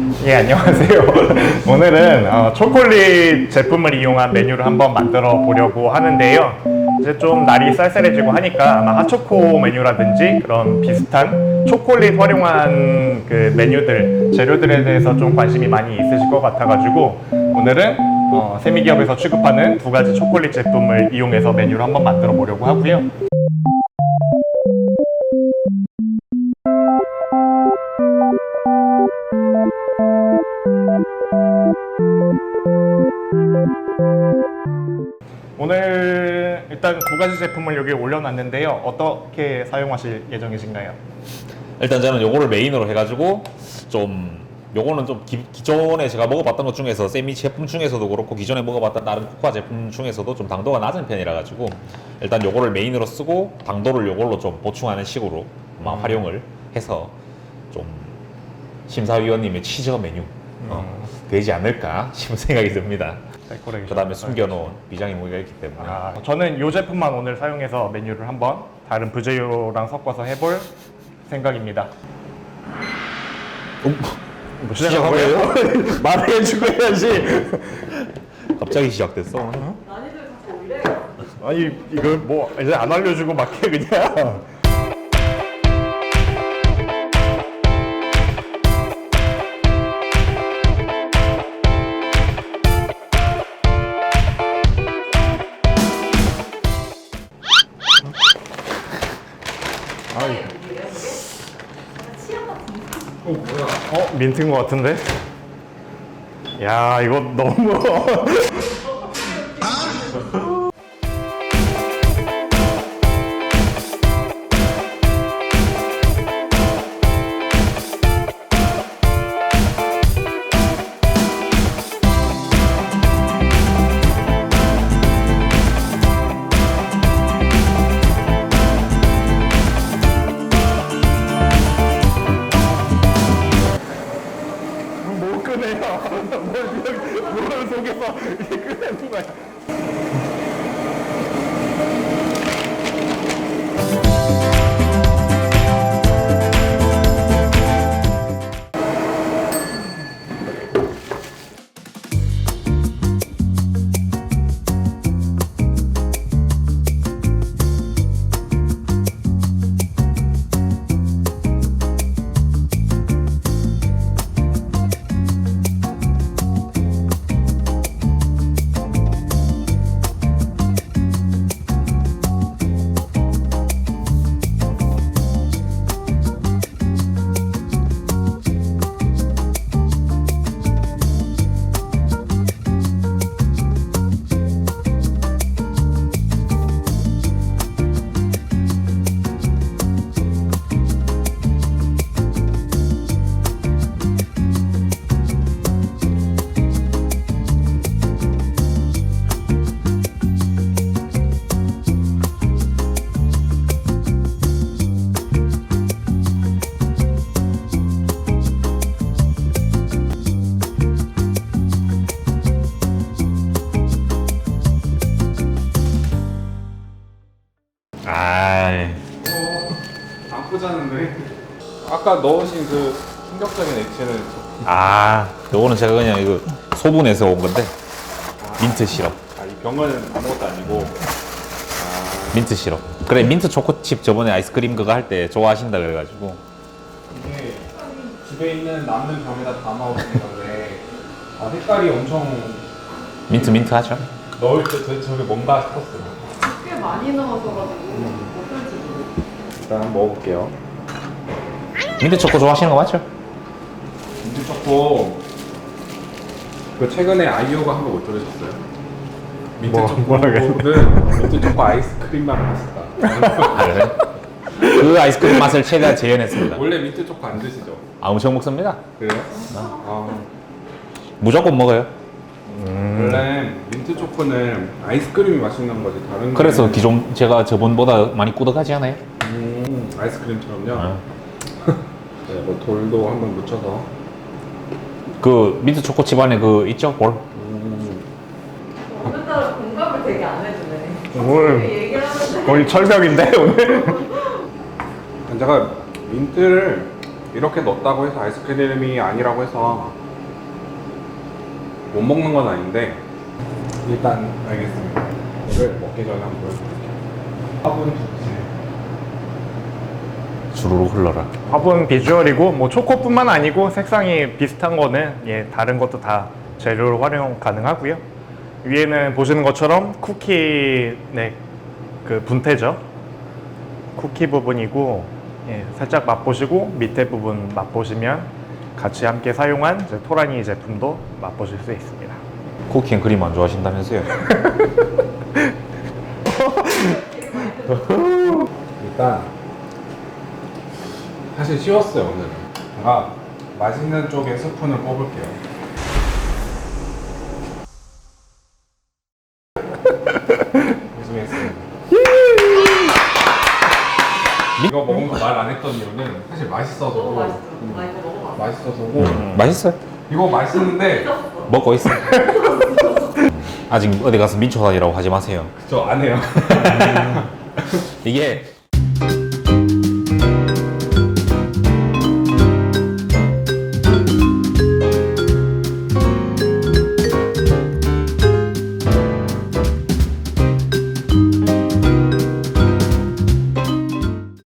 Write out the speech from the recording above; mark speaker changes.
Speaker 1: 예, 안녕하세요. 오늘은 초콜릿 제품을 이용한 메뉴를 한번 만들어 보려고 하는데요. 이제 좀 날이 쌀쌀해지고 하니까 아마 핫초코 메뉴라든지 그런 비슷한 초콜릿 활용한 그 메뉴들, 재료들에 대해서 좀 관심이 많이 있으실 것 같아가지고 오늘은 세미기업에서 취급하는 두 가지 초콜릿 제품을 이용해서 메뉴를 한번 만들어 보려고 하고요. 오늘 일단 두 가지 제품을 여기 올려놨는데요. 어떻게 사용하실 예정이신가요?
Speaker 2: 일단 저는 요거를 메인으로 해가지고 좀 요거는 좀 기존에 제가 먹어봤던 것 중에서 세미 제품 중에서도 그렇고 기존에 먹어봤던 다른 코코아 제품 중에서도 좀 당도가 낮은 편이라 가지고 일단 요거를 메인으로 쓰고 당도를 요걸로 좀 보충하는 식으로 활용을 해서 좀 심사위원님의 치저 메뉴 되지 않을까 싶은 생각이 듭니다. 그 다음에 숨겨놓은 비장의 무기가 있기 때문에
Speaker 1: 저는 이 제품만 오늘 사용해서 메뉴를 한번 다른 부재료랑 섞어서 해볼 생각입니다.
Speaker 2: 뭐 시작한 거예요?
Speaker 1: 말해주고 해야지.
Speaker 2: 갑자기 시작됐어.
Speaker 3: 난이도를 자꾸 올려요.
Speaker 1: 아니 이거 뭐 이제 안 알려주고 막 해 그냥. 민트인 것 같은데? 야 이거 너무 못 끄네요. 뭘 속에서 이렇게 끄내는 거야. 안 꽂았는데 아까 넣으신 그 충격적인 액체는
Speaker 2: 요거는 제가 그냥 이거 소분해서 온 건데 민트 시럽.
Speaker 1: 이 병은 아무것도 아니고
Speaker 2: 민트 시럽. 그래 민트 초코칩 저번에 아이스크림 그거 할 때 좋아하신다 그래가지고
Speaker 1: 이게 집에 있는 남는 병에다 담아오신 건데 색깔이 엄청
Speaker 2: 민트 하죠.
Speaker 1: 넣을 때 저게 뭔가 싶었어요.
Speaker 3: 꽤 많이 넣어서 가지고 어떨지 모르겠어요.
Speaker 1: 일단 한번 먹어볼게요.
Speaker 2: 민트 초코 좋아하시는 거 맞죠?
Speaker 1: 민트 초코 그 최근에 아이오가 한 거 못 들으셨어요? 민트 초코는 민트 초코 아이스크림만 맛있다.
Speaker 2: 그래? 그 아이스크림 맛을 최대한 재현했습니다.
Speaker 1: 원래 민트 초코 안 드시죠?
Speaker 2: 엄청 먹습니다.
Speaker 1: 그래요?
Speaker 2: 무조건 먹어요.
Speaker 1: 원래 민트 초코는 아이스크림이 맛있는 거지 다른
Speaker 2: 그래서
Speaker 1: 거는
Speaker 2: 기존 제가 저번보다 많이 꾸덕하지 않아요?
Speaker 1: 아이스크림처럼요? 네, 뭐 돌도 한번 묻혀서
Speaker 2: 그 민트 초코칩 안에 그 있죠 볼?
Speaker 3: 오늘따라 공감을 되게 안 해주네.
Speaker 1: 오늘
Speaker 3: 얘기를 하는데
Speaker 1: 거의 철벽인데 오늘? 제가 민트를
Speaker 4: 이렇게 넣었다고 해서 아이스크림이 아니라고 해서 못 먹는 건 아닌데 일단 알겠습니다. 이걸 먹기 전에 한번 보여드릴게요. 화분 좋지.
Speaker 2: 주르륵 흘러라.
Speaker 1: 화분 비주얼이고 뭐 초코뿐만 아니고 색상이 비슷한 거는 예, 다른 것도 다 재료로 활용 가능하고요. 위에는 보시는 것처럼 쿠키 네, 그 분태죠. 쿠키 부분이고 예, 살짝 맛보시고 밑에 부분 맛보시면 같이 함께 사용한 이제 토라니 제품도 맛보실 수 있습니다.
Speaker 2: 쿠키 앤 크림 안 좋아하신다면서요?
Speaker 4: 일단 사실 쉬웠어요 오늘은. 제가 맛있는 쪽에 스푼을 뽑을게요. 고생했습니다. 이거 먹은 거 말 안 했던 이유는 사실 맛있어서.
Speaker 3: 너무 맛있어. 나 이거 먹어봐.
Speaker 4: 맛있어서고
Speaker 2: 맛있어요?
Speaker 4: 이거 맛있는데
Speaker 2: 먹고 있어. 아직 어디 가서 민초 다니라고 하지 마세요.
Speaker 4: 저 안 해요.
Speaker 2: 이게